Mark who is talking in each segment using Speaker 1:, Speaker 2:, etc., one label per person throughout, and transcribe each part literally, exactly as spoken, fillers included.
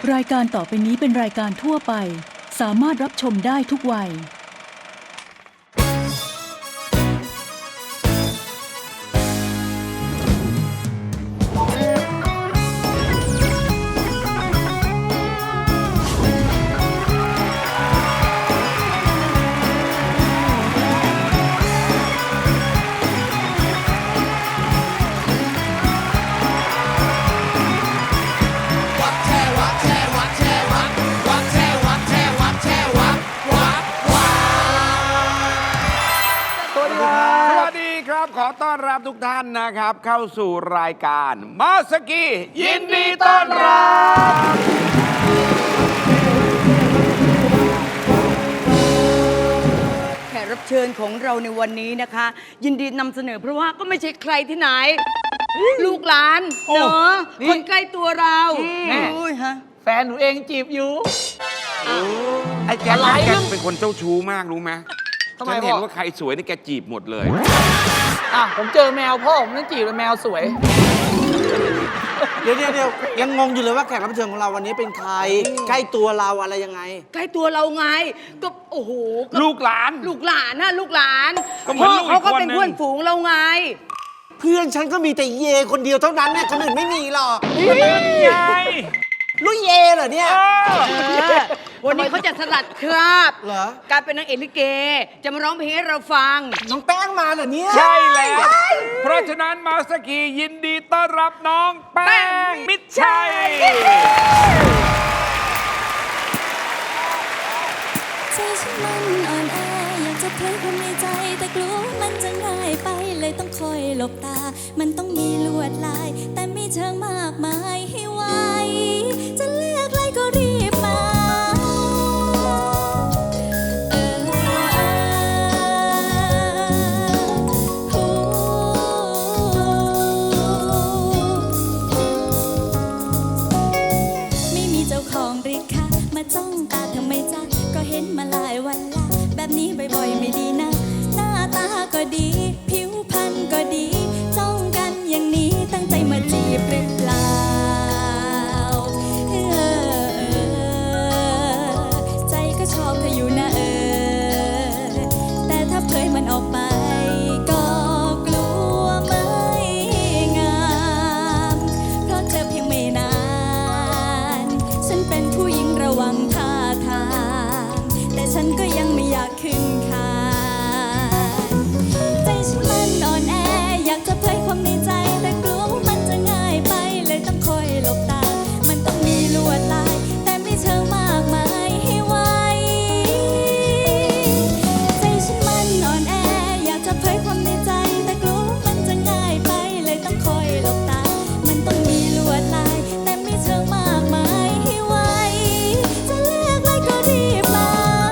Speaker 1: รายการต่อไปนี้เป็นรายการทั่วไปสามารถรับชมได้ทุกวัย
Speaker 2: ขอต้อนรับทุกท่านนะครับเข้าสู่รายการมาสกียินดีต้อนรับ
Speaker 3: แขกรับเชิญของเราในวันนี้นะคะ ยินดีนำเสนอเพราะว่าก็ไม่ใช่ใครที่ไหน ลูกหลานเนาะคนใกล้ตัวเราแม่ฮะ
Speaker 4: แฟนหนูเองจีบอยู่
Speaker 2: ไอ้แกแกเป็นคนเจ้าชู้มากรู้ไหมฉันเห็นว่าใครสวยนี่แกจีบหมดเลย
Speaker 4: อ่ะผมเจอแมวพ่อผมนั่นจีบเลยแมวสวย
Speaker 5: เดี๋ยวเดี๋ยวยังงงอยู่เลยว่าแขกรับเชิญของเราวันนี้เป็นใครใกล้ตัวเราอะไรยังไง
Speaker 3: ใกล้ตัวเราไงก็โอ้โห
Speaker 2: ลูกหลาน
Speaker 3: ลูกหลานนะลูกหลานพ่อเขาก็เป็นเพื่อนฝูงเราไง
Speaker 5: เพื่อนฉันก็มีแต่เยคนเดียวเท่านั้นเนี่ยคนอื่นไม่มีหรอกลุยเยเหรอเนี่ย
Speaker 3: วันนี้เขาจะสลัดคราบ
Speaker 5: เหรอ
Speaker 3: การเป็นนางเอกลิเกจะมาร้องเพลงให้เราฟัง
Speaker 5: น้องแป้งมาเหรอเนี่ย
Speaker 2: ใช่แล้วเพราะฉะนั้นมาสกียินดีต้อนรับน้องแป้งมิตรชัย
Speaker 6: ใจฉันมันอ่อนแออยากจะเผยความในใจแต่กลัวมันจะง่ายไปเลยต้องคอยหลบตามันต้องมีลวดลายแต่มีเชิงมากมายให้ไวจะเลือกอะไรก็รีบมาไม่มีเจ้าของหรือคะมาจ้องตาทำไมจ๊ะก็เห็นมาหลายวันละแบบนี้บ่อยๆไม่ดีนะหน้าตาก็ดีผิวพรรณก็ดีจ้องกันอย่างนี้ตั้งใจมาจีบหรือเปล่าใจก็ชอบเธออยู่นะเออแต่ถ้าเผยมันออกไปก็กลัวไม่งามเพราะเจอเพียงไม่นานฉันเป็นผู้หญิงระวังท่าทางแต่ฉันก็ยังไม่อยากขึ้นคานใจฉันมันอ่อนแออยากจะเผยความในใจแต่กลัวว่ามันจะง่ายไปเลยต้องคอยหลบตามันต้องมีลวดลายแต่ไม่เชิงมากมายให้ไวใจฉันมันอ่อนแออยากจะเผยความในใจแต่กลัวว่ามันจะง่ายไปเลยต้องคอยหลบตามันต้องมีลวดลายแต่ไม่เชิงมากมายให้ไวจะเลือกอะไรก็รีบมา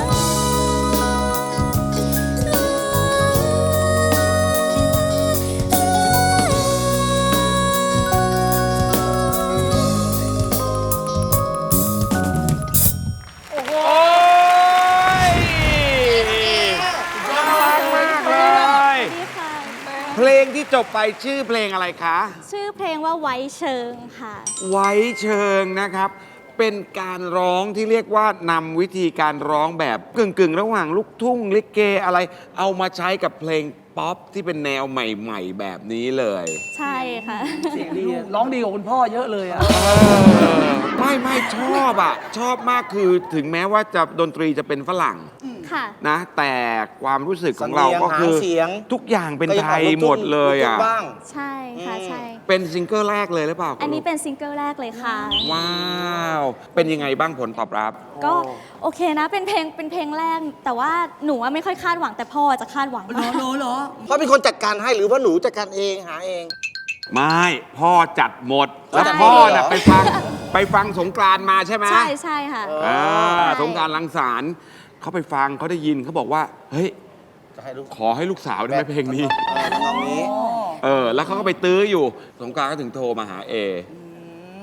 Speaker 2: เพลงที่จบไปชื่อเพลงอะไรคะ
Speaker 6: ชื่อเพลงว่าไว้เชิงค่ะ
Speaker 2: ไว้เชิงนะครับเป็นการร้องที่เรียกว่านำวิธีการร้องแบบกึ่งๆระหว่างลูกทุ่งลิเกอะไรเอามาใช้กับเพลงป๊อปที่เป็นแนวใหม่ๆแบบนี้เลย
Speaker 6: ใช่ค่ะ
Speaker 4: เสียงดีร้องดีกว่าคุณพ่อเยอะเลยอ่ะ
Speaker 2: ไม่ไม่ชอบอ่ะชอบมากคือถึงแม้ว่าจะดนตรีจะเป็นฝรั่งนะแต่ความรู้สึกของเราก็คือทุกอย่างเป็นไทยหมดเลยอ่ะ
Speaker 6: ใช่ค่ะใช่
Speaker 2: เป็นซิงเกิลแรกเลยหรือเปล่า
Speaker 6: อันนี้เป็นซิงเกิลแรกเลยค่ะ
Speaker 2: ว้าวเป็นยังไงบ้างผลตอบรับ
Speaker 6: ก็โอเคนะเป็นเพลงเป็นเพลงแรกแต่ว่าหนูไม่ค่อยคาดหวังแต่พ่อจะคาดหวัง
Speaker 3: เหรอเหรอ
Speaker 5: พ่อเป็นคนจัดการให้หรือว่าหนูจัดการเองหาเอง
Speaker 2: ไม่พ่อจัดหมดแล้วพ่อน่ะไปฟังไปฟังสงกรานต์มาใช่ไหม
Speaker 6: ใช่ใช่ค่ะ
Speaker 2: สงกรานต์รังสรรค์เขาไปฟังเขาได้ยินเขาบอกว่าเฮ้ยขอให้ลูกสาวได้ไหมเพลงนี้เออแล้วเขาก็ไปตื้ออยู่สงกรานต์ก็ถึงโทรมาหาเอ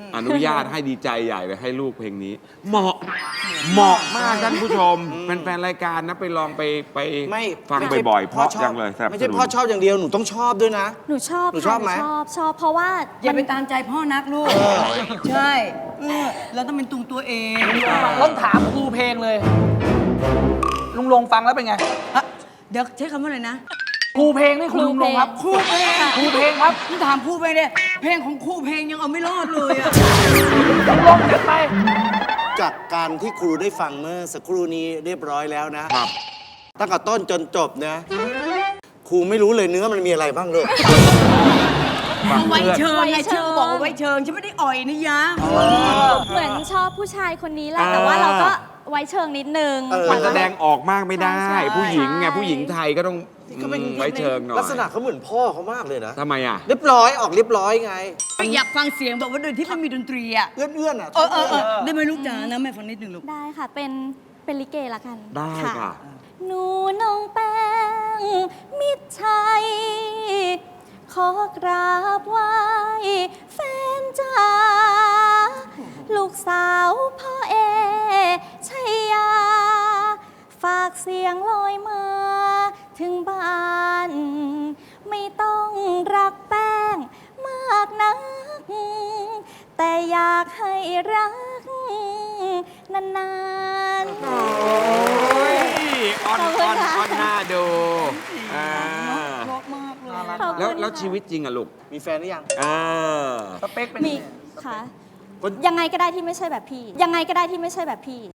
Speaker 2: อนุญาตให้ดีใจใหญ่เลยให้ลูกเพลงนี้ เหมาะเหมาะมากท่านผู้ชมแฟนๆรายการนะไปลองไปไป
Speaker 5: ไม่
Speaker 2: ฟัง
Speaker 5: ไม่ใช่
Speaker 2: บ่อยๆเพราะ
Speaker 5: ชอบ
Speaker 2: จังเลยสนับสนุน
Speaker 5: ไม่ใช่พ่อชอบอย่างเดียวหนูต้องชอบด้วยนะ
Speaker 6: หนูชอบ
Speaker 5: หนู
Speaker 6: ค่ะ
Speaker 5: ชอบไหม
Speaker 6: ชอบชอบเพราะว่า
Speaker 3: อย่าไป
Speaker 6: มัน
Speaker 3: ตามใจพ่อนักลูก ใช่เออเราต้องเป็นตุงตัวเอง
Speaker 4: ต้องถามครูเพลงเลย ลุงลงฟังแล้วเป็นไง
Speaker 3: ฮะเดี๋ยวใช้คำว่าอะไรนะ
Speaker 4: ครูเพลงนี่ครูลุงลงครับ
Speaker 3: ครูเพลง
Speaker 4: ครูเพลงครับ
Speaker 3: พี่ถามครูเพลงเนี่ยเพลงของครูเพลงยังเอาไม่รอดเลยอะ
Speaker 4: ลุงลงจัดไป
Speaker 5: จากการที่ครูได้ฟังเมื่อสักครู่นี้เรียบร้อยแล้วนะครับ ตั้งแต่ต้นจนจบนะครูไม่รู้เลยเนื้อมันมีอะไรบ้างเลย
Speaker 3: เอาไว้เชิงไง
Speaker 6: ไว้เชิง
Speaker 3: ชื่อบอกว่าไว้เชิงฉันไม่ได้อ่อยนะยะ
Speaker 6: เหมือนชอบผู้ชายคนนี้แหละ
Speaker 2: อ่า
Speaker 6: แต่ว่าเราก็ไว้เชิงนิดนึง
Speaker 5: เออ
Speaker 2: มันแสดงออกมากไม่ได้
Speaker 6: ใช่
Speaker 2: ผู้หญิงไง
Speaker 6: ใช่
Speaker 2: ผู้หญิงไทยก็ต้อง
Speaker 5: ก็เป็น
Speaker 2: อืมไว้เชิงหน่อย
Speaker 5: ลักษณะเขาเหมือนพ่อเขามากเลยนะ
Speaker 2: ทำไมอ่ะ
Speaker 5: เรียบร้อยออกเรียบร้อยไง
Speaker 3: อยากฟังเสียงแบบว่าโดยที่ไม่มีดนตรีอะ
Speaker 5: เอื้อนๆอ่ะ
Speaker 3: เออเออเออได้ไหมลูกจ๋านะแม่ฟังนิดหนึ่งลูก
Speaker 6: ได้ค่ะ เป็นเป็นลิเกละกัน
Speaker 2: ได้ค่ะ
Speaker 6: หนูน้องแป้งมิตรชัย ขอกราบไหว้แฟนจ้าลูกสาวพ่อเอชัยยา ฝากเสียงลอยมาถึงบ้าน ไม่ต้องรักแป้งมากนัก แต่อยากให้รักนานๆ
Speaker 2: โอ้ยออน
Speaker 6: ขอบคุ
Speaker 2: ออ
Speaker 6: ณ
Speaker 2: น
Speaker 6: ค่ะ
Speaker 2: ออนหน้าดูอ่า
Speaker 3: เพราะมากเลย
Speaker 6: ขอบคุณ
Speaker 2: แล้วแล้ว
Speaker 6: ค่ะ
Speaker 2: ชีวิตจริงอะลูก
Speaker 5: มีแฟนหรือยัง
Speaker 2: เออ
Speaker 4: สเปคเป็น
Speaker 6: มี
Speaker 4: ยังไง
Speaker 6: ค่ะ
Speaker 5: คน
Speaker 6: ยังไงก็ได้ที่ไม่ใช่แบบพี่ ยังไงก็ได้ที่ไม่ใช่แบบพี่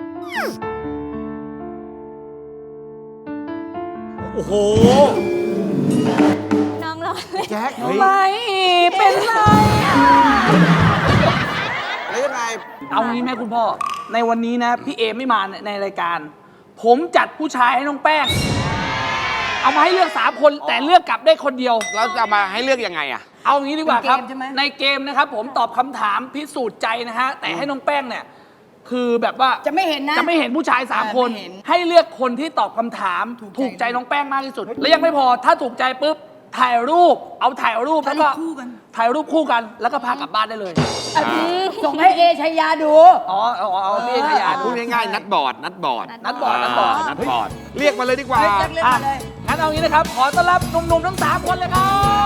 Speaker 5: โอ้โห
Speaker 6: น้องรอเลย
Speaker 5: แจ็ค
Speaker 2: เฮ้ย
Speaker 4: ไม่เป็นไร
Speaker 5: แล้วยังไง
Speaker 4: เอางี้ไหมคุณพ่อ ในวันนี้นะ พี่เอไม่มาในรายการ ผมจัดผู้ชายให้น้องแป้ง เอามาให้เลือกสามคนแต่เลือกกลับได้คนเดียว
Speaker 2: แล้วจะมาให้เลือกยังไงอะ
Speaker 4: เอางี้ดีกว่าครับ
Speaker 3: เป็นเกมใช่ไหม
Speaker 4: ในเกมนะครับผมตอบคำถามพิสูจน์ใจนะฮะ แต่ให้น้องแป้งเนี่ย คือแบบว่า
Speaker 3: จะไม่เห็นนะ
Speaker 4: จะไม่เห็นผู้ชายสาม
Speaker 3: เออ
Speaker 4: คน
Speaker 3: ไม่เห็น
Speaker 4: ให้เลือกคนที่ตอบคำถาม
Speaker 3: ถูกใจ
Speaker 4: ถูกใจน้องแป้งมากที่สุด และยังไม่พอถ้าถูกใจปุ๊บถ่ายรูป เอาถ่ายรูป
Speaker 3: ถ่า
Speaker 4: แล้
Speaker 3: ยว รู
Speaker 4: ก็
Speaker 3: ปคู่กัน
Speaker 4: ถ่ายรูปคู่กัน แล้วก็พากลับบ้านได้เลย
Speaker 3: ส่งให้เอชัยยาดู
Speaker 4: อ๋อเอาเอาเอาพี่ขยา
Speaker 2: พู
Speaker 4: ดู
Speaker 2: ดง่ายๆนัดบอร์ดนัดบอร์ด
Speaker 4: นัดบอร์ดนัดบอร์ด
Speaker 2: นัดบอร์ดเรียกมาเลยดีกว่า
Speaker 3: เฮ้ยเรียก
Speaker 4: อ่ะ
Speaker 3: มาเลย
Speaker 4: งั้นเอางี้นะครับ ขอต้อนรับหนุ่มๆทั้งสามคนเลยครับ